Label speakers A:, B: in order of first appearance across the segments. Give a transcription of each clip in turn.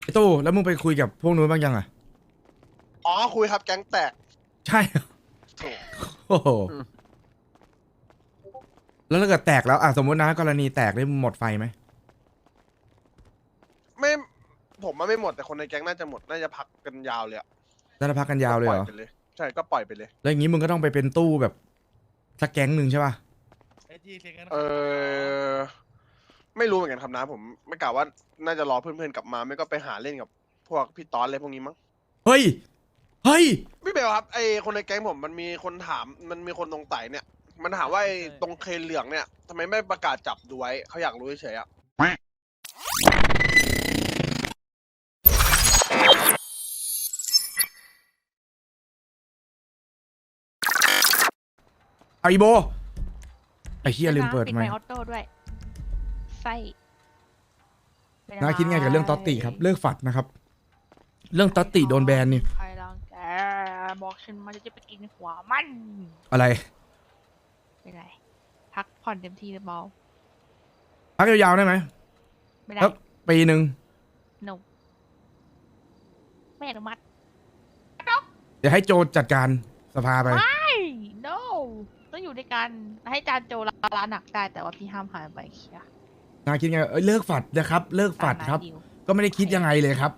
A: ไอ้ตู้แล้วมึงไปคุยกับพวกนู้นบ้างยังอ่ะ
B: อ๋อคุยครับแก๊งแตก
A: ใช่
B: โถ่
A: โอ้โห
B: อืม
A: แล้วถ้าเกิดแตกแล้วอ่ะสมมตินะกรณีแตกได้หมดไฟไหม
B: ไม่ผมมันไม่หมดแต่คนในแก๊งน่าจะหมดน่าจะพักกันยาวเลยอะ
A: แล้วจะพักกันยา
B: ก็
A: วเลยเหรอ
B: ปล่อยไปเลยใช่ก็ปล่อยไปเลย
A: แล้วอย่างนี้มึงก็ต้องไปเป็นตู้แบบสักแก๊งหนึ่งใช่ป่ะ
B: เออไม่รู้เหมือนกันครับนะผมไม่กล่าวว่าน่าจะรอเพื่อนๆกลับมาไม่ก็ไปหาเล่นกับพวกพี่ตอนอะไรพวกนี้มั้ง
A: เฮ้ยเฮ้ย
B: พี่เบลครับไอคนในแก๊งผมมันมีคนถามมันมีคนตรงไต่เนี่ยมันถามว่าไอตรงเคเหลืองเนี่ยทำไมไม่ประกาศจับดูไว้เขาอยากรู้เฉยๆอะ
A: เอาอีโบไอ้เฮียลืมเปิดไหม
C: ไมค์ออโต้ด้วยไส้เป็นอะ
A: น้า
C: ไร
A: คิดไงกับเรื่องต๊อตติครับเลิกฝัดนะครับ เรื่องต๊อตติโดนแบนนี่
C: ใครรังแกบอกฉันมาจะไปกินหัวมัน
A: อะไร
C: เป็นไรพักผ่อนเต็มที่หรือเปล่า
A: พักยาวๆได้ไหม
C: ไม่ได้
A: แล้วปีหนึ่ง
C: no ไม่อนุมัติ
A: เดี๋ยวให้โจจัดการสภาไป
C: ไม่ no ต้องอยู่ด้วยกันให้จานโจลาหนักได้แต่ว่าพี่ห้ามหายไปเคลียร์
A: นาคิดไงเอ้ยเลิกฝัดนะครับ เลิกฝัดครับ
C: ตามนั้นดิว
A: ก็ไม่ได้คิดยังไงเลยครับ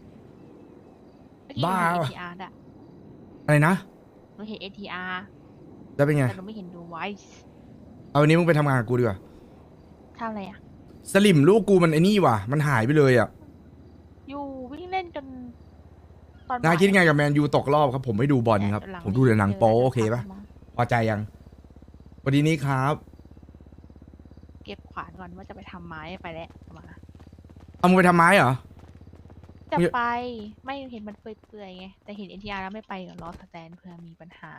A: บ้า
C: เมื่อ
A: วะ
C: กี้หนูเห็น ATR ด้วย
A: อะไรนะ
C: หนูเห็น ATR
A: แล้วเป็นไง
C: แต่หนูไม่เห็นดูไวส์
A: เอาวันนี้มึงไปทำงานกับกูดีกว่า
C: ทำอะไรอ่ะ
A: สลิมลูกกูมันไอ้นี่ว่ะมันหายไปเลยอ่ะ
C: อยู่วิ่งเล่นกันตอน
A: นา
C: บ่าย
A: คิดไงกับแมนยูตกรอบครับผมไม่ดูบอลครับ
C: หลัง
A: ผมดูแต่หนังโป๊โอเคปะ
C: มั้ง
A: พอใจยังวันนี้ครับ
C: เก็บขวานก่อนว่าจะไปทำไม้ไปแล้วมา
A: เอามึงไปทำไม้เหรอ
C: จะไปไม่เห็นมันเปื่อยๆไงแต่เห็น NTR แล้วไม่ไปเดี๋ยวรอสแตนเผื่อมีปัญหา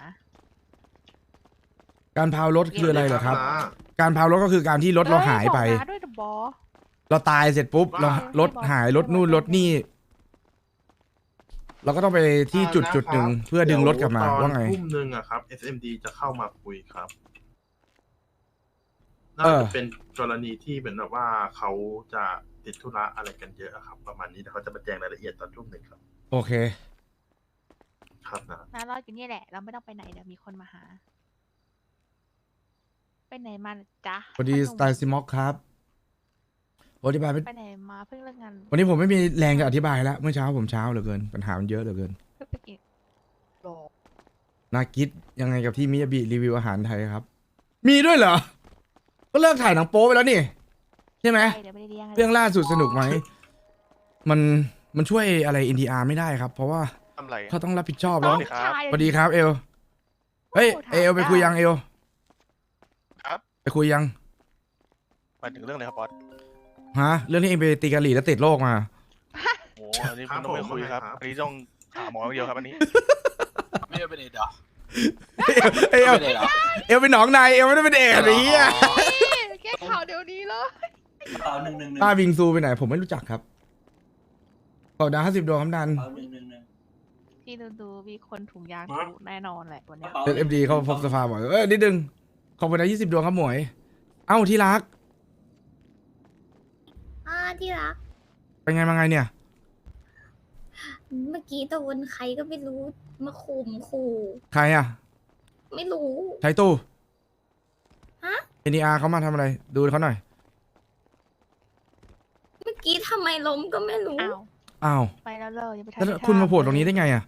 A: การพาวรถคืออะไรเหรอครับ การพาวรถก็คือการที่รถเราหายไป
C: บอกนะด้วยเดอะบอส
A: เราตายเสร็จปุ๊บเรารถหายรถนู่นรถนี่ เราก็ต้องไปที่จุดหนึ่งเพื่อดึงรถกลับมาว่าไง
D: ทุ่มหนึ่งอะครับ SMD จะเข้ามาคุยครับ
A: เอ
D: น่า
A: อ
D: จะเป็นกรณีที่เหมือนแบบว่าเขาจะติดธุระอะไรกันเยอะอะครับ ประมาณนี้เดี๋ยวเขาจะมาแจ้งรายละเอียดตอนทุ่มหนึ่งครับ
A: โอเค
D: ครับนะ
C: น่ารอดอยู่นี่แหละ เราไม่ต้องไปไหนเดี๋ยวมีคนมาหา ไปไหนมาน่ะจ๊ะ
A: สวัสดี
C: พ่
A: ส
C: อหนุ่ม
A: ไตล์ซิม็อกครับอธิบายไม่
C: ไปไหนมาเพิ่งเลิกงาน
A: วันนี้ผมไม่มีแรงจะอธิบายแล้ว เมื่อเช้าผมเช้าเหลือเกิน ปัญหามันเยอะเหลือเกิน
C: เพิ่งไปกินโล
A: นากิดยังไงกับที่มิยาบิรีวิวอาหารไทยครับ มีด้วยเหรอ ก็เลิกถ่ายหนังโป๊ไปแล้วนี่ ใช่ไหม
C: ไปเดี๋ยวไม่ได้เลี้ยง
A: เรื่องล่าสุดสนุกไหม มันช่วยอะไรอินดีอาร์ไม่ได้ครับ เพราะว่า
B: ทำไร
A: เขาต้องรับผิดชอบ
C: น้
A: แล้
C: อ
A: ว
C: งชาย
A: สวัสดีครับเอล เฮ้ยเอลไปคุยยังเอล
B: ครับ
A: ไปคุยยัง
B: หมายถึงเรื่องอะไรครับบอส
A: ฮะ เรื่องที่เองไปตีกะหรี่แล้วติดโรคมา
B: โอ้อันนี้คุณต้องไม่คุยครับอันนี้ต้องหาหมออย่างเดียวครับอันนี้ไม่ได้เป็นเอดอ่ะ
A: เอลเอลเป็นหนองในเอลไม่ได้เป็นเอดนี้อ่ะ
C: แก้ข่าวเดี๋ยวนี้เลย
E: เปล่า111
A: ป้าบิงซูไปไหน ผมไม่รู้จักครับขอบดาว50 ดวงครับดัน
E: เปล่า111
C: พี่ดูมีคนถุงยางกูแน่นอนแหละวันเนี้ย
A: เอ็มดีเขาพบสภาบ่อยนิดนึงขอบคุณนะ20 ดวงครับหมวย เอ้าที่รัก
F: ที่รัก
A: เป็นไงมาไงเนี่ย
F: เมื่อกี้ตะวันใครก็ไม่รู้มาขู่
A: ใครอ่ะ
F: ไม่รู้
A: ไทตู้
F: ฮะ
A: เอ็นดีอาร์เขามาทำอะไร ดูเขาหน่อย
F: เมื่อกี้ทำไมล้มก็ไม่รู้
C: อ้าว
A: อ้าว
C: ไปแล้วเลยยังไปทำ
A: แล้ว
C: ไม่
A: คุณมาโผล่
C: ทำ
A: ตรงนี้ได้ไงอ่ะ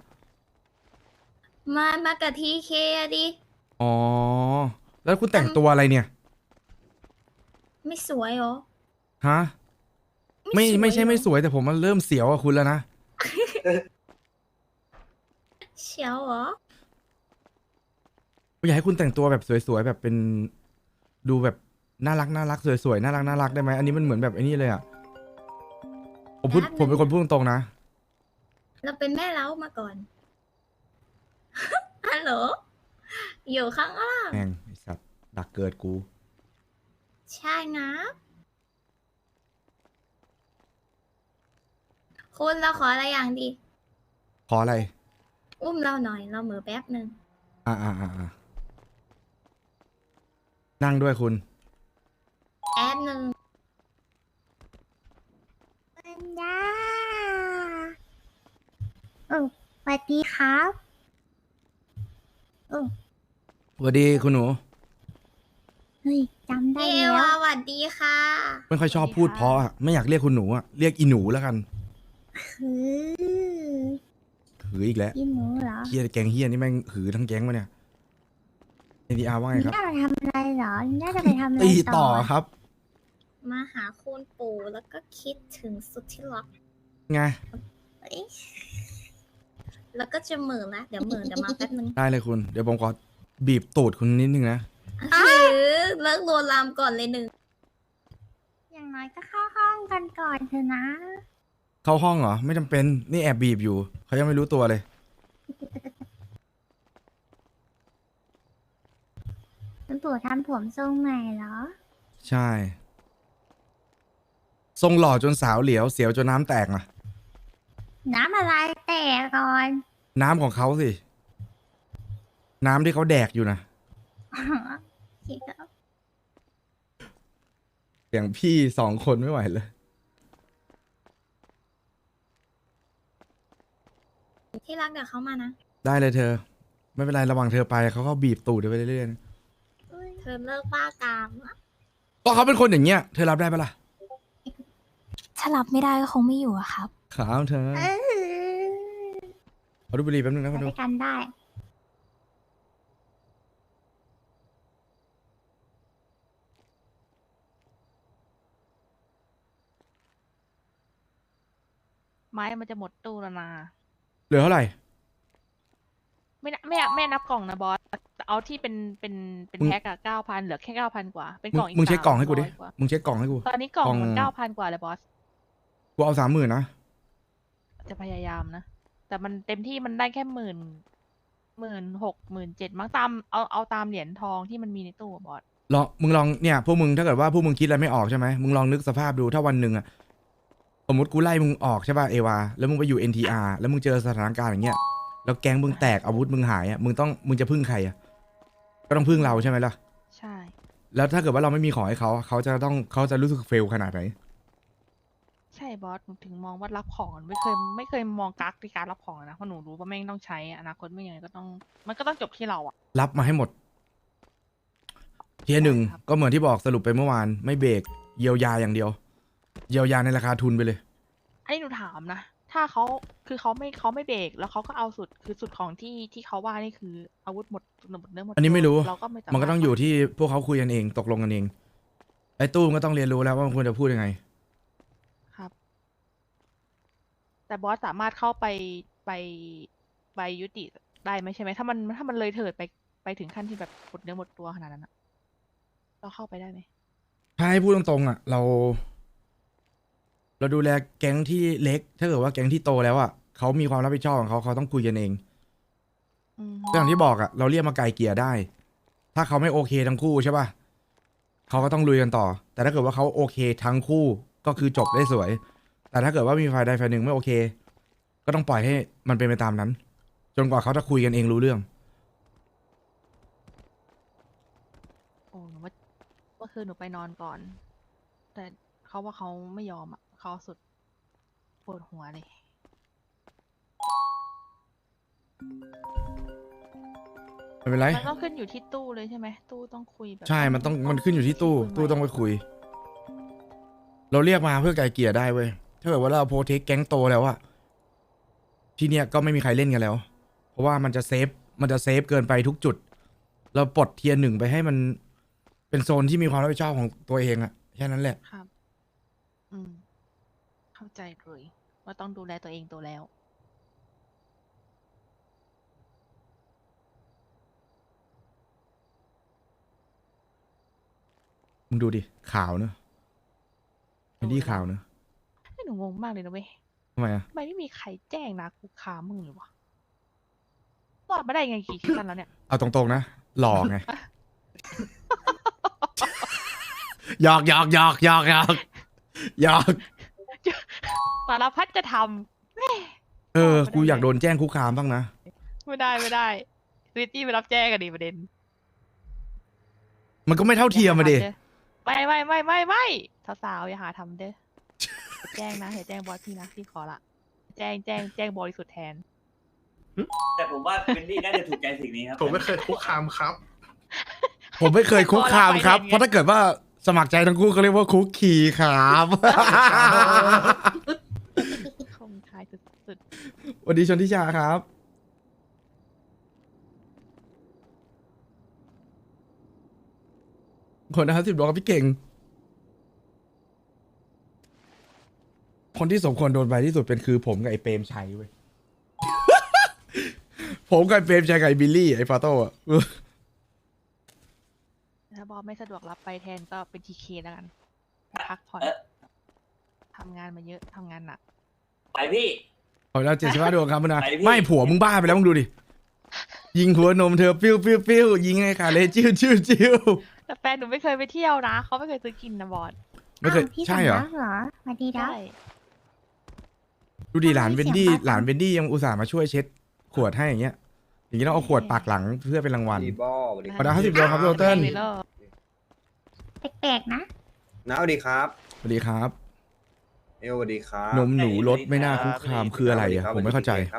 F: มากับทีเคอะดิ
A: อ๋อ แล้วคุณแต่งตัวอะไรเนี่ย
F: ไม่สวยเหรอ
A: ฮะ ไม่ใช่
F: เหรอ
A: ไม่สวยแต่ผมมันเริ่มเสียวกับคุณแล้วนะ
F: เชียวเหรอ
A: ผมอยากให้คุณแต่งตัวแบบสวยๆแบบเป็นดูแบบน่ารักสวยๆน่ารักได้ไหมอันนี้มันเหมือนแบบไอ้นี่เลยอ่ะผมเป็นคนพูดตรงๆนะ
F: เราเป็นแม่เล้ามาก่อน ฮัลโหล อยู่ข้างล่าง
A: แม่งไอ้สัตว์ดักเกิดกู
F: ใช่นะ คุณเราขออะไรอย่างดี
A: ขออะไร
F: อุ้มเราหน่อย เราเหมือแป๊บหนึ่ง
A: อ่านั่งด้วยคุณ
F: แป๊บหนึ่ง
G: มันได้
F: สวัสดีครับเออ
A: สวัสดีคุณหนู
F: เฮ้ยจำได้แล้วสวัสดีค่ะ
A: ไม่ค่อยชอบพูดเพราะอะไม่อยากเรียกคุณหนูอะเรียกอีหนูแล้วกัน
F: คือ
A: หืออีกแล้ว
F: อีหมูเหรอ
A: เฮียแกงเฮียนี่แม่งหือทั้งแก๊งวะเนี่ยเอ็นดีอาร์ว่าไงครับ
F: น่าจะทำอะไรเหรอ น่าจะไปทำอะไร
A: ตี
F: ต่
A: ต่
F: อ
A: อครับ
F: มาหาคุณปู่แล้วก็คิดถึงสุดที่รัก
A: ไง
F: เอ้ยแล้วก็จะเหม่อละเดี๋ยวมาแป๊บนึง
A: ได้เลยคุณ เดี๋ยวผมขอบีบตูดคุณนิดนึงนะ
F: เลิกโลวนลามก่อนเลยหนึ่ง อย่างน้อยก็เข้าห้องกันก่อนเถอะนะ
A: เข้าห้องเหรอ ไม่จำเป็น นี่แอบบีบอยู่ เขายังไม่รู้ตัวเลย
F: คุณปู่ทำผมทรงใหม่เหรอ
A: ใช่ ทรงหล่อจนสาวเหลียว เสียวจนน้ำแตกนะ
F: น้ำอะไรแต่ก่อน
A: น้ำของเขาสิ น้ำที่เขาแดกอยู่นะ อย่างพี่2 คนไม่ไหวเลย
F: ที่รักเดี๋ยวเขามานะ
A: ได้เลยเธอ ไม่เป็นไรระหว่างเธอไปเขาก็บีบตูดไปเรื่อยๆนะ
F: เธอเลิกบ้ากามอะ
A: ก็เขาเป็นคนอย่างเงี้ย เธอรับได้ปะล่ะ
G: ถ้ารับไม่ได้ก็คงไม่อยู่อะครับ
A: ขาวเธอเอาดูบุหรี่แป๊บนึงนะ
F: ไป
A: คุณดู
F: ด้วยกันได้
C: ไม้มันจะหมดตู้แล้วนะ
A: เหลือเท่าไหร่
C: ไม่นับกล่องนะบอสแต่เอาที่เป็น
A: มึง
C: แพ็คอะ9,000เหลือแค่9,000กว่าเป็น
A: มึ
C: ก
A: ง
C: ล่องอีก
A: มึงเช็คกล่องให้กูดิ
C: 300กว่า
A: มึงเช็คกล่องให้กู
C: ตอนนี้กล่องมัน
A: กล่อง
C: 9,000กว่าเลยบอส
A: กูเอา30,000นะ
C: จะพยายามนะ แต่มันเต็มที่มันได้แค่16,000 17,000มั้งตามเอาตามเหรียญทองที่มันมีในตู้อะบอส
A: มึงลองเนี่ยพวกมึงถ้าเกิดว่าพวกมึงคิดอะไรไม่ออกใช่ไหมมึงลองนึกสภาพดูถ้าวันหนึ่งอะสมมติกูไล่มึงออกใช่ป่ะเอวาแล้วมึงไปอยู่ NTR แล้วมึงเจอสถานการณ์อย่างเงี้ยแล้วแก๊งมึงแตกอาวุธมึงหายอะมึงจะพึ่งใครอะก็ต้องพึ่งเราใช่ไหมล่ะ
C: ใช่
A: แล้วถ้าเกิดว่าเราไม่มีของให้เขาจะรู้สึกเฟลขนาดไหน
C: ใช่บอสหนูถึงมองว่ารับของไม่เคยมองกักในการรับของนะเพราะหนูรู้ว่าแม่งต้องใช้อนาคตไม่ยังไงก็ต้องมันก็ต้องจบที่เราอะ
A: รับมาให้หมดเทียร์หนึ่ง
C: ครับ
A: ก็เหมือนที่บอกสรุปไปเมื่อวานไม่เบรกเยียวยาอย่างเดียว เยียวยาในราคาทุนไปเลย
C: อันนี้หนูถามนะถ้าเขาไม่เบรกแล้วเขาก็เอาสุดของที่เขาว่านี่คืออาวุธหมดเนื้อหมด
A: อันนี้ไม่รู้
C: เราก็ไม่สาารถ
A: มันก็ต้องอยู่ที่พวกเขาคุยกันเองตกลงกันเองไอ้ตู้มนก็ต้องเรียนรู้แล้วว่ามันควรจะพูดยังไง
C: ครับ แต่บอสสามารถเข้าไปยุติได้ไหมใช่ไหมถ้ามันเลยเถิดไปถึงขั้นที่แบบหมดเนื้อหมดตัวขนาดนั้นอะเราเข้าไปได้ไหม
A: ถ้าให้พูดตรงๆอ่ะเราดูแลแก๊งที่เล็ก ถ้าเกิดว่าแก๊งที่โตแล้วอ่ะเขามีความรับผิดชอบของเขาต้องคุยกันเอง
C: อืม
A: ก็อย่างที่บอกอ่ะเราเรียกมาไกลเกลี่ยได้ ถ้าเขาไม่โอเคทั้งคู่ใช่ป่ะเขาก็ต้องลุยกันต่อ แต่ถ้าเกิดว่าเขาโอเคทั้งคู่ก็คือจบได้สวย แต่ถ้าเกิดว่ามีฝ่ายใดฝ่ายหนึ่งไม่โอเค ก็ต้องปล่อยให้มันเป็นไปตามนั้น จนกว่าเขาจะคุยกันเองรู้เรื่อง
C: โอ้หนูว่าเมื่อคืนหนูไปนอนก่อน แต่เขาว่าเขาไม่ยอมอ่ะเขาสุดปวดหัวเลย
A: ไม่เป็นไร
C: มันต้องขึ้นอยู่ที่ตู้เลยใช่ไหมตู้ต้องคุยแบบ
A: ใช่ มันขึ้นอยู่ที่ตู้ ตู้ต้องไปคุย เราเรียกมาเพื่อไกลเกลี่ยได้เว้ย ถ้าเกิดว่าเราโปรเทคแก๊งโตแล้วอะที่เนี้ยก็ไม่มีใครเล่นกันแล้ว เพราะว่ามันจะเซฟเกินไปทุกจุด เราปลดเทียร์ 1ไปให้มันเป็นโซนที่มีความรับผิดชอบของตัวเองอะแค่นั้นแหละ
C: ครับ อืม เข้าใจเลยว่าต้องดูแลตัวเองตัวแล้ว
A: มึงดูดิข่าวเนอะไม่ดีข่าวเนอะ
C: ให้หนูงงมากเลยนะเว้ย
A: ทำไมอะ
C: ทำไมไม่มีใครแจ้งนะกูค้ามึงเลยวะรอดมาได้ไงกี่ซีซั่นแล้วเนี่ย
A: เอาตรงๆนะหลอกไง หยอก
C: สารพัดจะทำ
A: กูอยากโดนแจ้งคุกคามบ้างนะ
C: ไม่ได้สวิตตี้ไปรับแจ้งกันดิประเด็น
A: มันก็ไม่เท่าเทียมมาดิ
C: ไม่สาวๆอย่าหาทำเด้อแจ้งนะอย่าแจ้งบอสพี่นะพี่ขอละแจ้งบริสุทธิ์แทน
E: แต่ผมว่าเป็นนี่น่าจะถูกใจสิ่งนี้ครับ
D: ผมไม่เคยคุกคามครับ
A: ผมไม่เคยคุกคามครับ เพราะถ้าเกิดว่าสมัครใจทั้งคู่เขาเรียกว่าคุกคีครับ
C: คงทายสุด
A: สวัสดีชนทิชาครับคนนะครับ10 ดวงครับพี่เก่ง คนที่สมควรโดนใบที่สุดเป็นคือผมกับไอ้เปรมชัยเว้ย ผมกับไอ้เปรมชัยกับไอ้บิลลี่ไอ้ฟาโต้อะ
C: ๆถ้าบอสไม่สะดวกรับไปแทนก็เป็นทีเคแล้วกันพักผ่อนทำงานมาเยอะทำงานหนัก
E: ไปพี่
A: เอาแล้ว75 ดวงครับมึงนะ
E: ไปพี่
A: ไม่ผัวมึงบ้าไปแล้วมึงดูดิ ยิงหัวนมเธอปิ้วปิ้วปิ้วยิงไงค่ะเลยจิ้วจิ้วจิ้ว
C: แต่แฟนหนูไม่เคยไปเที่ยวนะเขาไม่เคยซื้อกินนะบอส
A: ไม่เคย
F: อ้าวพี่
A: ใช่เหรอ
F: สำนักเหรอสวัสดีนะ
C: ใช่
A: ดูดิหลานเวนดี้
F: เสียงปะ
A: หลานเวนดี้ยังอุตส่าห์มาช่วยเช็ดขวดให้อย่างเงี้ย อย่างนี้ต้องเอาขวดปากหลังเพื่อเป็นรางวัล
H: ดีบอสวัสดี
A: ขอดาว50 ดวงครับพี่โอเติ้ล
C: ไม่เลย
F: แปลกๆนะ
H: น้าสวัสดีครับ
A: สวัสดีครับ
H: เอลสวัสดีครับ
A: นมหนูรสไม่น่าคุกคามคืออะไรอ่ะ ผมไม่เข้าใจ
H: ครับ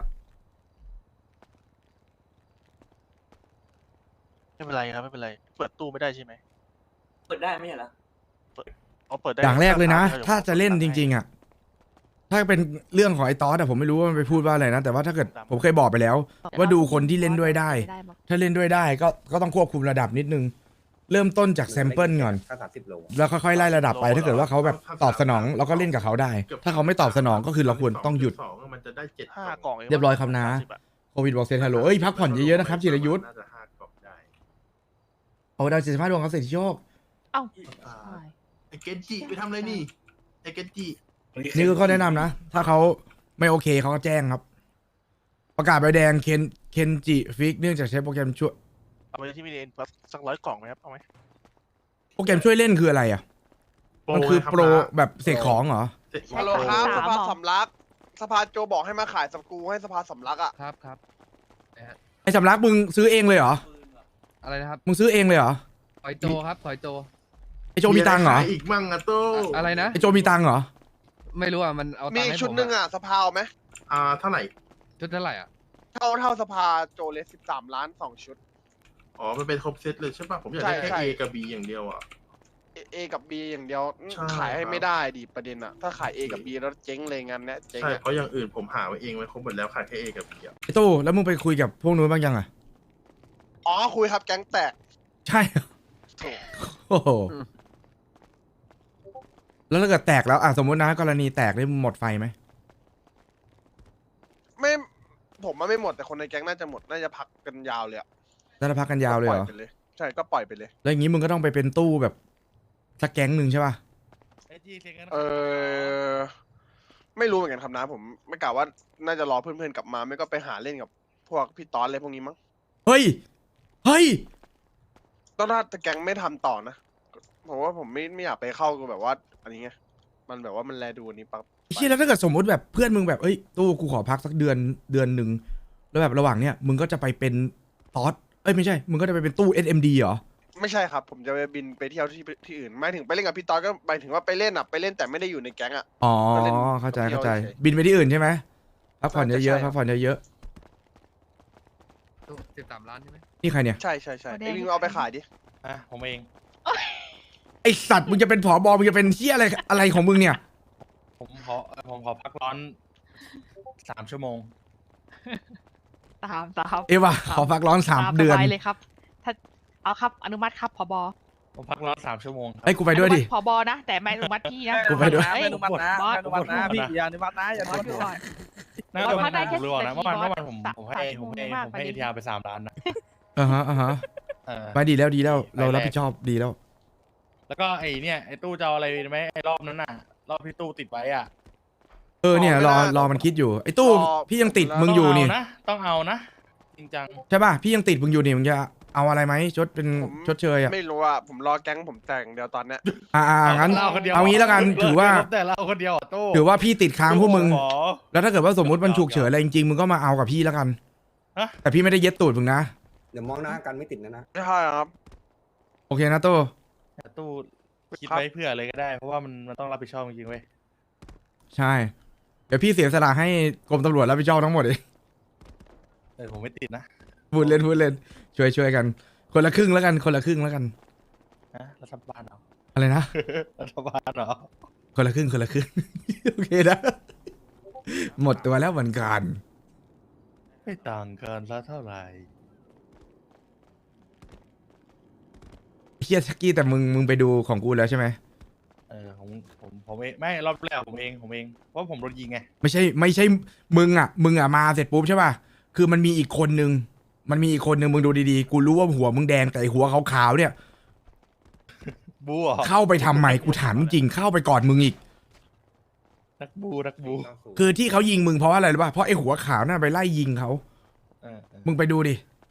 B: ไม่เป็นไรครับไม่เป็นไรเปิดตู้ไม่ได้ใช่ไหม
E: เปิดได้ไหมเหรอ
B: เอาเปิดได้
A: อย่างแรกเลยนะ
B: ดี๋ว
A: ถ้าจะเล่นจริง ๆ อ่ะ ถ้าเป็นเรื่องของไอ้ตอสอะผมไม่รู้ว่ามันไปพูดว่าอะไรนะ แต่ว่าถ้าเกิดผมเคยบอกไปแล้ว ว่าดูคนที่เล่นด้วยได้ ถ้าเล่นด้วยได้ก็ต้องควบคุมระดับนิดนึง เริ่มต้นจากแซมเปิลก่อน
H: ถ้า30 โล
A: แล้วค่อยๆไล่ระดับไป ถ้าเกิดว่าเขาแบบตอบสนองเราก็เล่นกับเขาได้ ถ้าเขาไม่ตอบสนองก็คือเราควรต้องหยุด
D: 2มันจะได้7
B: 5 กล่องง
A: เรียบร้อยครับนะ โควิดบอกเซนฮัลโหลเอ้ยพักผ่อนเยอะๆนะครับจิรยุทธ์
D: น่าจะ5 กล่องได้
A: โอ้ดาว75 ดวงครับเศรษฐีโชค
C: เอ้า
D: อ่า
C: ใช่
D: ไอเกนจิไปทำอะไรนี่ไอเกนจิ
A: นี่คือข้อแนะนำนะ ถ้าเขาไม่โอเคเขาก็แจ้งครับ ประกาศใบแดงเคนจิฟิกเนื่องจากใช้โปรแกรมช่วย
B: เอาไปที่มีเอ็นสัก100 กล่องไหมครับเอาไหม
A: โปรแกรมช่วยเล่นคืออะไรอ่ะ มันคือโปรแบบเสกของเหรอ
B: ฮัลโหลครับสภาสำลักสภาโจบอกให้มาขายสกรูให้สภาสำลักอ่ะ
I: ครับครับ
A: ไอ้สำลักมึงซื้อเองเลยเหรอ
I: อะไรนะครับ
A: มึงซื้อเองเลยเหรอ
I: ถอยโจครับถอยโจ
A: ไอ้โจมีตังค์เหรอ
D: ะไขายอีกมั่งอะโต้
I: อะไรนะ
A: ไอ้โจมีตังค์เหรอ
I: ไม่รู้อ่ะ มันเอา
B: มี
I: ตังค์ให้
B: ชุด
I: ผม
B: หนึ่งอ่ะสภาเอาไหม
D: เท่าไหร่
I: ชุดเท่าไหร่อ่ะ
B: เท่าสภาโจเลย13 ล้าน 2 ชุด
D: อ๋อมันเป็นครบเซตเลยใช่ป่ะผมอยากได้
B: ใช่
D: แค่ A กับ B อย่างเดียวอ่ะ
B: A กับ B อย่างเดียว
D: ใช่
B: ขายให้
D: ครับ
B: ไม่ได้ดิประเด็นอ่ะ ถ้าขาย A กับ B แล้วเจ๊งเลยงานเนี้ยเจ๊ง
D: ใช่
B: อะ
D: เพราะอย่างอื่นผมหาไว้เองไว้ครบหมดแล้วขายแค่ A กับ B อ่ะ
A: ไอ้ตู้แล้วมึงไปคุยกับพวกนู้นบ้างยังอ่ะ
B: อ๋อคุยครับแก๊งแตก
A: ใช่เหรอ
B: โถ่
A: โอ้โห แล้วถ้าเกิดแตกแล้วอ่ะสมมตินะกรณีแตกได้หมดไฟไหม
B: ไม่ผมว่าไม่หมดแต่คนในแก๊งน่าจะหมดน่าจะพักกันยาวเลยอะ
A: แล้วถ้าพักกันยาวเลยเหรอ
B: ก็ปไปเลย ใช่ก็ปล่อยไปเลย
A: แล้วอย่างนี้มึงก็ต้องไปเป็นตู้แบบสักแก๊งหนึ่งใช่ป่ะ
B: เออไม่รู้เหมือนกันครับนะ ผมไม่กล่าวว่าน่าจะรอเพื่อนๆกลับมาไม่ก็ไปหาเล่นกับพวกพี่ตอนอะไรพวกนี้มั้ง
A: เฮ้ย เฮ้ย
B: ต้องถ้าแก๊งไม่ทำต่อนะผมว่าผมไม่อยากไปเข้ากับแบบว่า อันนี้ไงมันแบบว่ามันแลดูอันนี้ปั๊บ
A: ไอ้เชี่ยแล้วถ้าเกิดสมมติแบบเพื่อนมึงแบบเอ้ยตู้กูขอพักสักเดือนหนึ่งแล้วแบบระหว่างเนี้ยมึงก็จะไปเป็นตอสเอ้ยไม่ใช่ มึงก็จะไปเป็นตู้ SMD เหรอ
B: ไม่ใช่ครับ ผมจะไปบินไปเที่ยวที่อื่นหมายถึงไปเล่นกับพี่ตอนก็หมายถึงว่าไปเล่นอ่ะไปเล่นแต่ไม่ได้อยู่ในแก๊งอ่ะ
A: อ๋อ
B: ก็เล่น
A: เข้าใจ
B: เที่ยว
A: เข้าใจ
B: เฉย
A: บินไปที่อื่นใช่ไหมพักผ่อน
B: น่าจะ
A: เยอะ
B: ใช่
A: ๆพักผ่อนเยอะ
I: 13 ล้านใช่ไหม
A: ๆนี่ใครเนี่ย
B: ใช่ใช่ใช่ไอ้วิงเอาไปขายดิ
J: ผมเอง
A: ไอสัตว์มึงจะเป็นผอบอมึงจะเป็นเชี่ยอะไรของมึงเนี่ย
J: ผมขอพักร้อน 3 ชั่วโมง
C: ตาม
A: เอวะขอพักร้อน3 เดือน
C: สบายเลยครับ ถ้าเอาครับอนุมัติครับผบ
J: ผมพักร้อน 3 ชั่วโมงครับ
A: ไอ้ยกูไปด้วยดิ
C: อนุมัติผบนะ แต่ไม่อนุมัติพี่นะ
A: กูไปด้วย
C: เฮ้ย
J: อนุมัตินะ
C: บอส
J: อนุมัตินะพี่
I: อย่าอนุมัตินะอย่า
C: บอสดูก่อน
J: น่า
C: บอ
J: จะ
C: สพักได้แค่
J: ผมรู้นะ
C: 10
J: เมื่อวาน
C: นาที
J: ผม
C: บอส
J: ให้
C: 3 ชั่วโมงมาก
J: ผม
C: กว่า
J: ให้
C: นี้
J: เอทีอาร์ไป3 ล้านนะ
A: อ่าฮะอ่าฮะ
J: เออ
A: ไปดีแล้วดีแล้ว เรา
J: ไปแรก
A: รับผิดชอบดีแล้ว
J: แล้วก็ไอ้เนี่ยไอ้ตู้จะเอาอะไรไหมไอ้รอบนั้นน่ะ รอบที่ตู้ติดไว้อ่ะ
A: เออเนี่ยรอมันคิดอยู่ไอ้ตู้พี่ยังติดมึงอยู่นี่
J: ต้องเอานะ จริงจัง
A: ใช่ป่ะพี่ยังติดมึงอยู่นี่มึงจะเอาอะไรไหมชดเป็น
B: ผม
A: ชดเชยอ่ะ
B: ไม่รู้อ่ะผมรอแก๊งผมแต่งเดียวตอนเนี้ย
A: งั้น
J: เราคนเดียว
A: เอางี้แล้วกันถือว่า
J: แต่เราคนเดียวอ่ะตู้
A: ถือว่าพี่ติดค้างพวกมึง
J: หอ
A: แล้วถ้าเกิดว่าสมมติมันฉุกเฉินอะไรจริงๆมึงก็มาเอากับพี่แล้วกัน
J: ฮะ
A: แต่พี่ไม่ได้เย็ดตูดมึงนะ
H: เดี๋ยวมองหน้ากันไม่ติดนะ
B: ไม่ใช่ครับ
A: โอเคนะตู้
J: แต่ตู้คิดไว้เผื่อเลยก็ได้ เพราะว่ามันต้องรับผิดชอบจริงๆเว้ย
A: ใช่ เดี๋ยวพี่เสียสละให้กรมตำรวจรับผิดชอบทั้งหมดเอง
J: ผมไม่ติดนะ
A: พูดเล่นช่วยกัน คนละครึ่งแล้วกันคนละครึ่งแล้วกัน
J: ฮะรัฐบาลเหรอ
A: อะไรนะ
J: รัฐบาลเหรอ
A: คนละครึ่ง โอเคนะ หมดตัวแล้วเหมือนกัน
J: ไม่ต่างกันซะเท่าไหร่
A: เฮียชักกี้แต่มึงไปดูของกูแล้วใช่ไหม
J: ผมเองไม่รอบแรกผมเองเพราะผมโดนยิงไง
A: ไม่ใช่มึงอ่ะมาเสร็จปุ๊บใช่ป่ะคือมันมีอีกคนนึงมึงดูดีๆกูรู้ว่าหัวมึงแดงแต่ไอ้หัวขาวๆเนี่ย
J: บูเหรอ
A: เข้าไปทำไมกูถามจริงเข้าไปก่อนมึงอีก
J: นักบู
A: คือที่เขายิงมึงเพราะอะไรรู้ป่ะเพราะไอ้หัวขาวน่ะไปไล่ยิงเขา มึงไปดูดิ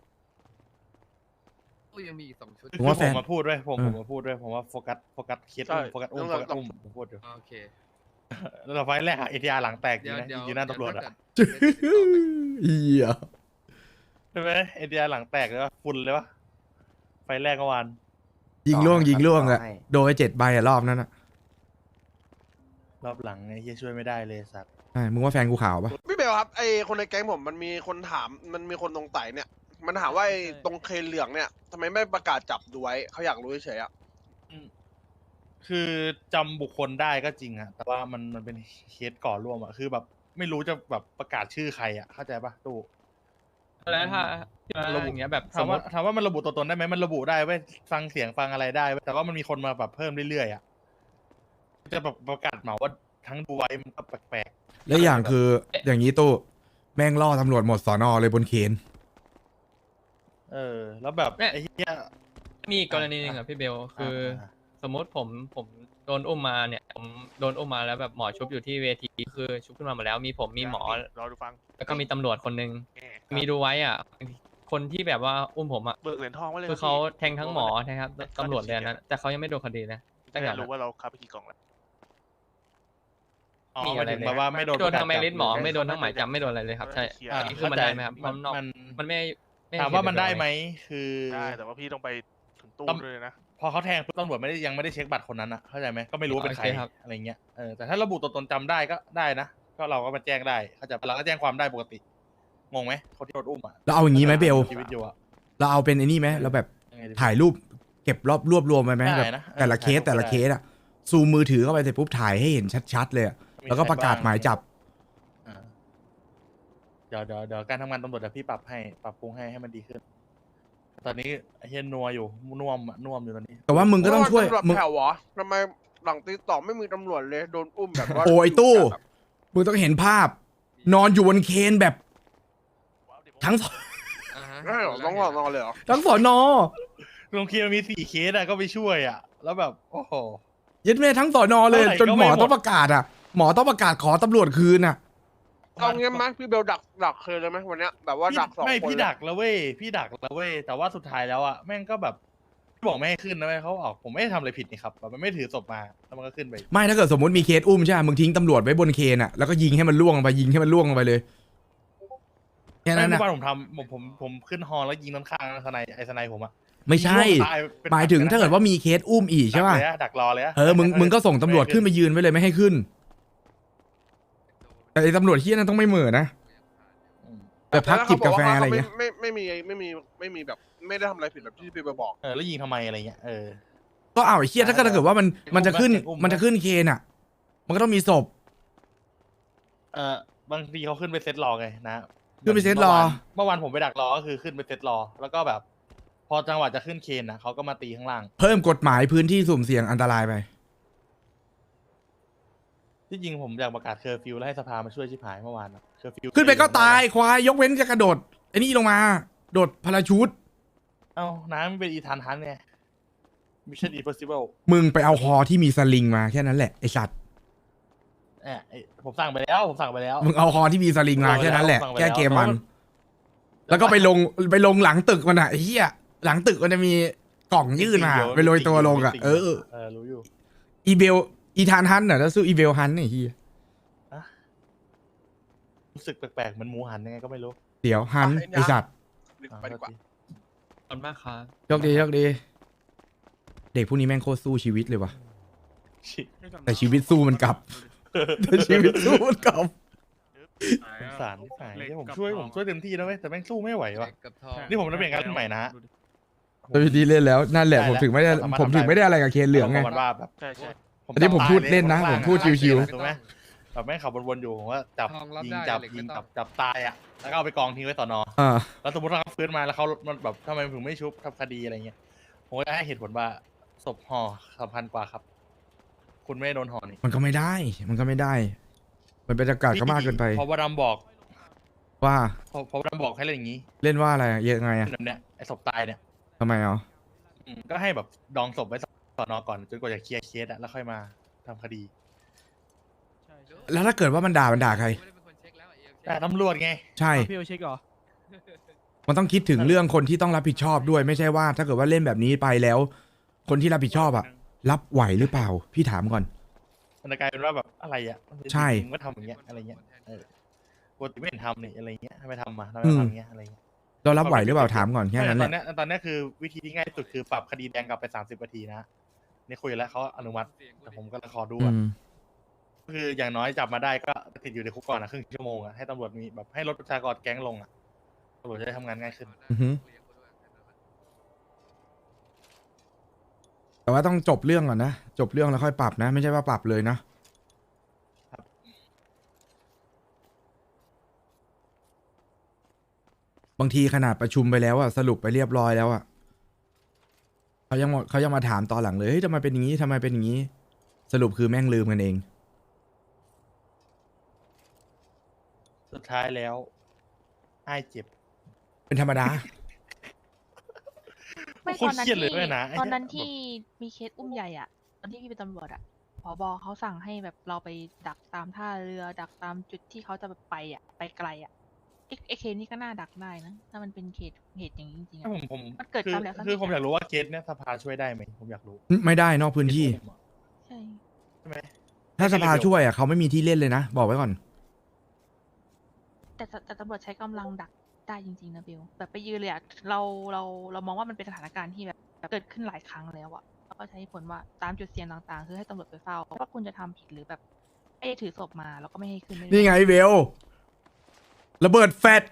I: ตู้ยังมีอีก2 ชุด
A: ผมว่าแฟน
J: ผมมาพูดด้วยผมมาพูดด้วยผมว่าโฟกัสเคสโฟกัสอุ้มผมพูดอยู่
I: โอเค
J: แล้วไฟล์แรกอะเอทีอาร์หลังแตกจริงนะ
I: เดี๋ยว
J: ยืนหน้าตำรวจอะ
A: เฮีย
J: ใช่ไหมเอทีอาร์หลังแตกเลยว่าฝุ่นเลยวะไฟล์แรกเมื่อวาน
A: ยิงล่วงอะโดนไป7 ใบอะรอบนั้นอะ
J: รอบหลังไอ้เฮียช่วยไม่ได้เลยสัตว์
A: ใช่มึงว่าแฟนกูขาวปะ
B: พี่เบลครับไอคนในแก๊งผมมันมีคนถามมันมีคนตรงไต่เนี่ย มันถามว่าไอตรงเคเหลืองเนี่ยทำไมไม่ประกาศจับดูไว้เขาอยากรู้เฉยๆอ่ะ
J: คือจำบุคคลได้ก็จริงอะแต่ว่ามันเป็นเคสก่อร่วมอะคือแบบไม่รู้จะแบบประกาศชื่อใครอะเข้าใจปะตู้
I: แล้วถ้าระบุอย่างเงี้ยแบบ
J: ถามว่ามันระบุตัวตนได้ไหมมันระบุได้เว้ยฟังเสียงฟังอะไรได้เว้ยแต่ว่ามันมีคนมาแบบเพิ่มเรื่อยๆอะจะแบบประกาศเหมาว่าทั้งดูไว้มันก็แปลก
A: และอย่างคืออย่างนี้ตู้แม่งล่อตำรวจหมดสอนอเลยบนเคน
J: ๆแล้วแบบไอ้เหี้ย
I: มีกรณีหนึ่งอ่ะพี่เบลคือ สมมติผมโดนอุ้มมาเนี่ยผมโดนอุ้มมาแล้วแบบหมอชุบอยู่ที่เวทีคือชุบขึ้นมาหมดแล้วมีผมมีหมอ
K: รอดูฟัง
I: แล้วก็มีตำรวจคนนึงมีดูไว้อ่ะคนที่แบบว่าอุ้มผมอ่ะ
K: เบิกเหรียญทองไว้เลย
I: คือเขาแทงทั้งหมอนะครับตำรวจเลยนะแต่เขายังไม่โดนคดีนะตั้งแต่
K: จะรู้ว่าเราคับไปกี่กล่องแล้ว
J: อ๋อ
I: มี
J: หมา
I: อะ
J: ย
I: ไร
J: ถึง
I: เลย
J: แบบว่าไม่โดน
I: โดนทางแมริทหมอ
J: ประกาศจับ
I: ไม่โดนทั้งหมายจับไม่โดนอะไรเลยครับใช่
J: อ่า
I: อันนี้คือมันได้ไหมครับ
J: มัน
I: นอก
J: มัน
I: มันไม่
J: ถามว่ามันได้ไหมคือ
K: ได้แต่ว่าพี่ต้องไปถึงตู้
J: ต้อง
K: ด้วยนะ
J: พอเขาแทงปุ๊บตำรวจยังไม่ได้เช็คบัตรคนนั้นอะเข้าใจไหมก็ไม่รู้ว่าเป็นใคร
I: โอเคครับ
J: อะไรเงี้ยแต่ถ้าระบุตัวตนจำได้ก็ได้นะก็เราก็มาแจ้งได้เข้าใจปะเราก็แจ้งความได้ปกติงงไหมคนที่โดนอุ้มอะ
A: เราเอาอย่างนี้ไหมเบล
J: ชีวิตอยู่อะ
A: เราเอาเป็นไอ้นี่ไหมเราแบบ
J: ยังไงดี
A: ถ่ายรูปเก็บรวบรวมไปไหม
J: ได้
A: แบบ
J: นะ
A: แต่ละเคส
J: ถ่ายรูป
A: แต่ละเคสอะซูมมือถือเข้าไปเสร็จปุ๊บถ่ายให้เห็นชัดๆเลยอะแล้วก็ประกาศหมายจับ
J: อ่าเดี๋ยวการทำงานตำรวจเดี๋ยวพี่ปรับปรุงให้มันดีขึ้น ตอนนี้ไอ้เฮียนัวอยู่น่วมอยู่ตอนนี้
A: แต่ว่ามึงก็ต้องช่วย
B: ตำรวจ
A: มึง
B: แถวเหรอทำไมหลังตีต่อไม่มีตำรวจเลยโดนอุ้มแบบว่า
A: โอ้ยตู้ มึงต้องเห็นภาพ นอนอยู่บนเคนแบบ ทั้ง
B: ไม่หรอต้องรอนอนเลยเหรอ
A: ทั้งสอนอ
J: โรงเรียนมันมี4 เคสอะก็ไปช่วยอะแล้วแบบโอ้โห
A: ยึดแม่ทั้งสอนอเลย
J: เท่าไหร่
A: จน
J: ก็
A: หม
J: ไม่
A: อ
J: หมด
A: ต้องประกาศอะหมอต้องประกาศขอตำรวจคืนอะ
B: เอางี้ไหมพี่เบลดักเคยเลยไหมวันเนี้ยแบบว่าดักสอง
J: ไม่
B: คน
J: พี่
B: เลย
J: ดักแล้วเว้ยแต่ว่าสุดท้ายแล้วอะแม่งก็แบบบอกไม่ให้ขึ้นนะเว้ยเขาบอกผมไม่ได้ทำอะไรผิดนี่ครับแบบมันไม่ถือศพมาแล้วมันก็ขึ้นไป
A: ไม่ถ้าเกิดสมมติมีเคสอุ้มใช่ไหมมึงทิ้งตำรวจไว้บนเคนอะแล้วก็ยิงให้มันล่วงลงไปลงไปเลยแค่
J: ไม่
A: นั้น
J: เมื่
A: นะ
J: อวานผมทำผมขึ้นฮอแล้วยิงด้านข้างสไนผมอะ
A: ไม่ใช่
J: ยิงลูกตเป็น
A: หมายถึงถ้าเกิดว่ามีเคสอุ้มอีกใช่ป่ะ
J: ดักรอเลยอะ
A: มึงก็ส่งตำรวจขึ้นไปยืนไว้เลยไม่ให้ขึ้น แต่ไอ้ตำรวจที่นั่นต้องไม่เหม่อนะแบบพักจิบกาแฟอะไรอย่างเงี้ย
B: ไม่มีแบบไม่ได้ทำอะไรผิดแบบที่พี่เบลบอก
J: แล้วยิงทำไมอะไรเงี้ย
A: ก็เอาไอ้เคียถ้าเกิดว่ามันจะขึ้น
J: อุ้ม
A: มันจะขึ้นเคนอ่ะ มันก็ต้องมีศพ
J: บางทีเขาขึ้นไปเซตรอไงนะ
A: ขึ้นไปเซตรอ
J: เมื่อวานผมไปดักรอก็คือขึ้นไปเซตรอ แล้วก็แบบ พอจังหวะจะขึ้นเคนนะเขาก็มาตีข้างล่าง
A: เพิ่มกฎหมายพื้นที่สุ่มเสี่ยงอันตรายไป
J: ที่จริงผมอยากประกาศเคอร์ฟิวแล้วให้สภามาช่วยชิบหายเมื่อวานเคอร์ฟิว
A: ขึ้นไปก็ตายควายยกเว้นจะกระโดดไอ้นี่ลงมา โดดพาราชูต
J: เอ้าน้ำมันเป็นอีธานฮันไง Mission Impossible
A: มึงไปเอาฮอที่มีสลิงมาแค่นั้นแหละไอ้สัตว์
J: ผมสั่งไปแล้ว
A: มึงเอาฮอที่มีสลิงมาแค่นั้นแหละ
J: สั่งไป
A: แก้
J: ล้ว
A: เกมมัน แล้วก็ไปลงหลังตึกมันอ่ะไอ้เหี้ยหลังตึกมันจะมีกล่องยื่นมาไปโรยตัวลงอ่ะ
J: รู้อยู่
A: อีเบลอีธานฮันน่ะแล้วสู้อีเบลฮันไอ้เหี้ย
J: รู้สึกแปลกๆเหมันหมูหันยังไงก็ไม่รู้
A: เดี๋ยวฮันไอ้สัตว์
B: ไปดีกว่า
I: ขอบคุณมากครับ
A: โชคดีเด็กพวกนี้แม่งโคตรสู้ชีวิตเลยว่ะ แต่ชีวิตสู้มันกลับ แต่ชีวิตสู้มันกลับ
J: สงสารที่ไหนผมช่วยเต็มที่แล้วเว้ยแต่แม่งสู้ไม่ไหวว่ะนี่ผมจะเปลี่ยนการเล่นใหม่นะ
A: แต่พี่ดีเล่นแล้วนั่นแหละ
J: ได้
A: ผมถึงไม่ได้
J: แล้วสามารถ
A: ผมถึงไม่ได้อะไรกับเคนเหลืองไง
J: มันว่าแบบ
K: ใช่ใช่
A: อันนี้ผมพูดเล่นนะผมพูดชิวๆ
J: ถูกไหมแบบแม่งขับวนๆอยู่ผมว่าจับ
I: ทองรับ
J: ยิง
I: ได้
J: จับ
I: เหล็ก
J: ยิง
I: ไม่ต้อง
J: จับตายอ่ะแล้วก็เอาไปกองทิ้งไว้สอนอ
A: อ่า
J: แล้วสมมติถ้าเขาฟื้นมาแล้วเขามันแบบทำไมถึงไม่ชุบทำคดีอะไรเงี้ยผมก็จะให้เหตุผลว่าศพห่อสำคัญกว่าครับ คุณไม่ได้โดนห่อนี่
A: มันก็ไม่ได้ มันก็ไม่ได้ มันเป็นอากาศก็มากเกินไป
J: พอวดำบอก
A: ว่า
J: พอวดำบอกให้เล่นอย่างนี้
A: เล่นว่าอะไรอะยังไงอะ
J: แบบเนี้ยไอ้ศพตายเนี่ย
A: ทำไมอ่ะ
J: ก็ให้แบบดองศพไว้สอนอก่อนจนกว่าจะเคลียร์เคสอะแล้วค่อยมาทำคดี
A: แล้วถ้าเกิดว่ามันด่าใคร
J: แต่ตำรวจไง
A: ใช่
K: พี่เอาเช็คเหรอ
A: มันต้องคิดถึงเรื่องคนที่ต้องรับผิดชอบด้วย ไม่ใช่ว่า ถ้าเกิดว่าเล่นแบบนี้ไปแล้ว คนที่รับผิดชอบอะรับไหวหรือเปล่า พี่ถามก่อน
J: มันจะกลายเป็นว่าแบบอะไรอ่ะ
A: ใช่
J: มึงก็ทำอย่างเงี้ยอะไรเงี้ยปกติไม่เห็นทำนี่อะไรเงี้ยทำไมทำมาทำไม
A: อืม
J: ทำอย่างเงี้ยอะไรเงี้ย
A: เรารับไหวหรือเปล่าถามก่อนแค่นั้นแห
J: ตอ
A: ละ
J: นเนี้ยตอนเนี้ยคือวิธีที่ง่ายที่สุดคือปรับคดีแดงกลับไป30 นาทีนะนี่คุยแล้วเขาอนุมัติแต่ผมก็ขอดู
A: อื
J: อ่ะ
A: ม
J: คืออย่างน้อยจับมาได้ก็ติดอยู่ในคุกก่อนนะครึ่งชั่วโมงอ่ะให้ตำรวจมีแบบให้ลดประชากรแก๊งลงอ่ะตำรวจจะได้ทำงานง่ายขึ้น
A: อือฮึแต่ว่าต้องจบเรื่องก่อนนะ จบเรื่องแล้วค่อยปรับนะ ไม่ใช่ว่าปรับเลยนะ บางทีขนาดประชุมไปแล้วอะสรุปไปเรียบร้อยแล้วอะเขายังมาถามตอนหลังเลยเฮ้ยทำไมเป็นอย่างนี้ทำไมเป็นอย่างนี้ สรุปคือแม่งลืมกันเอง
J: สุดท้ายแล้วไอ้ายเจ็บ
A: เป็นธรรมดา
C: ไม่
J: โค
C: ต
J: ต
C: อ
J: ร
C: นนั้น
J: เครียดเลย
C: ที่
J: ด้วยนะ
C: ตอนนั้น
J: ไอ้
C: ที่
J: เย
C: มีเคสอุ้มใหญ่อะตอนที่พี่เป็นตำรวจอะผบเขาสั่งให้แบบเราไปดักตามท่าเรือดักตามจุดที่เขาจะไปอะไปไกลอะไอเคสนี่ก็น่าดักได้นะ ถ้ามันเป็นเหตุอย่างนี้จริงๆอะ
J: ผม
C: มันเกิด
J: คือ
C: ซ้ำแล้วซ้ำอีก
J: คือผมอยากรู้ว่าเคสเนี้ยสภาช่วยได้ไหมผมอยากรู้
A: ไม่ได้นอกพื้นที่
C: ใช่
J: ใช่ไหม
A: ถ้าสภาช่วยอะเขาไม่มีที่เล่นเลยนะ บอกไว้ก่อน
C: แต่ตำรวจใช้กำลังดักได้จริงๆนะเบลแบบไปยืนเลยอะเรามองว่ามันเป็นสถานการณ์ที่แบบเกิดขึ้นหลายครั้งแล้วอะแล้วก็ใช้ผลว่าตามจุดเสี่ยงต่างๆ คือให้ตำรวจไปเฝ้าว่าคุณจะทำผิดหรือแบบไอ้ถือศพมาแล้วก็ไม่ให้ขึ้นม่ด้
A: นี่ไงเบลระเบิดแฟด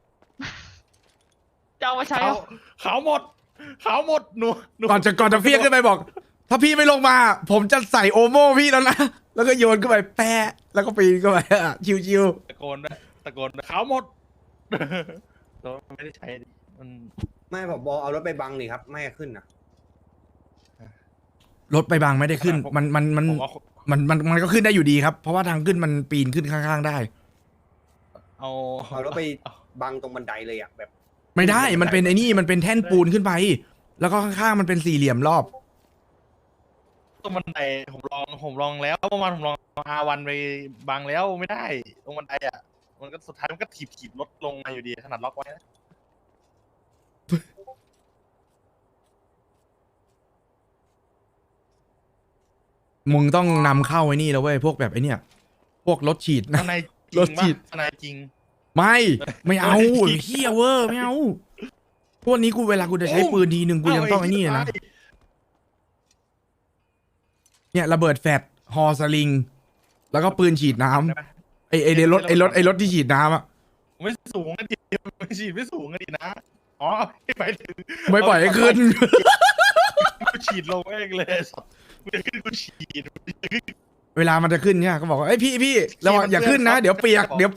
C: จะเอามาใช้
J: ขาว
C: เหรอ
J: ขาวหมดขาวหมดหนู
A: ก่อนจะเฟี้ยงขึ้นไปบอก ถ้าพี่ไม่ลงมา ผมจะใส่โอโม่พี่แล้วนะ แล้วก็โยนขึ้นไปแปะแล้วก็ปีนเข้าไปอะชิว
J: ตะโกนด้วยตะโกนด้วยขาวหมด แล้วไม่ได้ใช้ดิมัน
H: ไม่ผมบอกเอารถไปบังนี่ครับ ไม่ให้ขึ้นนะ
A: ๆรถไปบางไม่ได้ขึ้น มัน
J: ผมว่า
A: มันก็ขึ้นได้อยู่ดีครับ เพราะว่าทางขึ้นมันปีนขึ้นข้างๆได้
J: เอา
H: เอารถไปบังตรงบันไดเลยอ่ะแบบ
A: ไม่ได้ มันเป็นไอ้นี่ มันเป็นแท่นปูนขึ้นไป แล้วก็ข้างๆมันเป็นสี่เหลี่ยมรอบ
J: ตรงบันไดผมลองแล้วเมื่อวานผมลองR1ไปบังแล้วไม่ได้ตรงบันไดอ่ะมันก็สุดท้ายมันก็ถีบรถลงมาอยู่ดีขนาดล็อกไว้นะ
A: มึงต้องนำเข้าไอ้นี่แล้วเว้ย พวกแบบไอ้เนี่ย พวกรถฉีดนะ
J: ข้างในจ
A: ร
J: ริ
A: ถ
J: ง
A: ฉี
J: ปะ
A: ด
J: ข้างในจริง
A: ไม่เอา
J: รถฉีด
A: เฮียเวอร์ไม่เอา พวกนี้กูเวลากูจะใช้ปืนทีหนึ่งกูยังต้องไอ้นี่เลยนะ เนี่ยระเบิดแฟดฮอสลิง แล้วก็ปืนฉีดน้ำไอรถที่ฉีดน้ำอะ
J: ไม่สูงกันดิไม่ฉีดไม่สูงกันดินะอ๋อไปถึง
A: ไม่ปล่อยให้ขึ้น
J: กูฉีดลงเองเลยสัตว์กูจะขึ้นกูฉีด
A: เวลามันจะขึ้นเนี่ยก็บอกว่าเอ้ยพี่ระวังอย่าขึ้นนะ เดี๋ยวเปียก
J: เดี๋ยว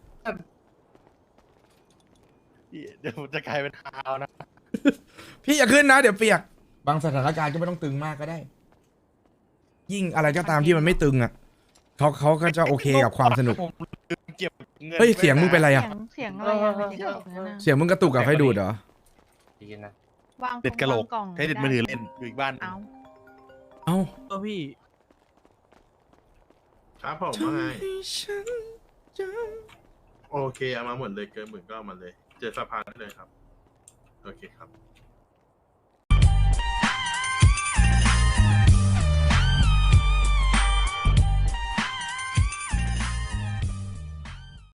J: จะกลายเป็นฮาวนะ
A: พี่อย่าขึ้นนะ เดี๋ยวเปียก บางสถานการณ์ก็ไม่ต้องตึงมากก็ได้ ยิ่งอะไรก็ตามที่มันไม่ตึงอ่ะเขาก็จะโอเคกับความสนุก
J: ผมลืมเก็บงิน
A: เฮ้ยเสียงมึงเป็นไรอะ
C: เสียงอะไรอะไม่ใช่แบบนั้นอะ
A: เสียงมึงกระตุกกับไฟดูดเหรอ
C: วาง
J: เด็ดกระโหลก
C: วางกล่อง
J: ใช้เด็ดมือถือเล่นอยู่อีกบ้าน
C: เอา
A: เอ้า
K: ก็พี่
D: ครับผมว่าไงโอเคเอามาหมดเลยเกินหมื่นก็เอามาเลย เจอสภาได้เลยครับ โอเคครับ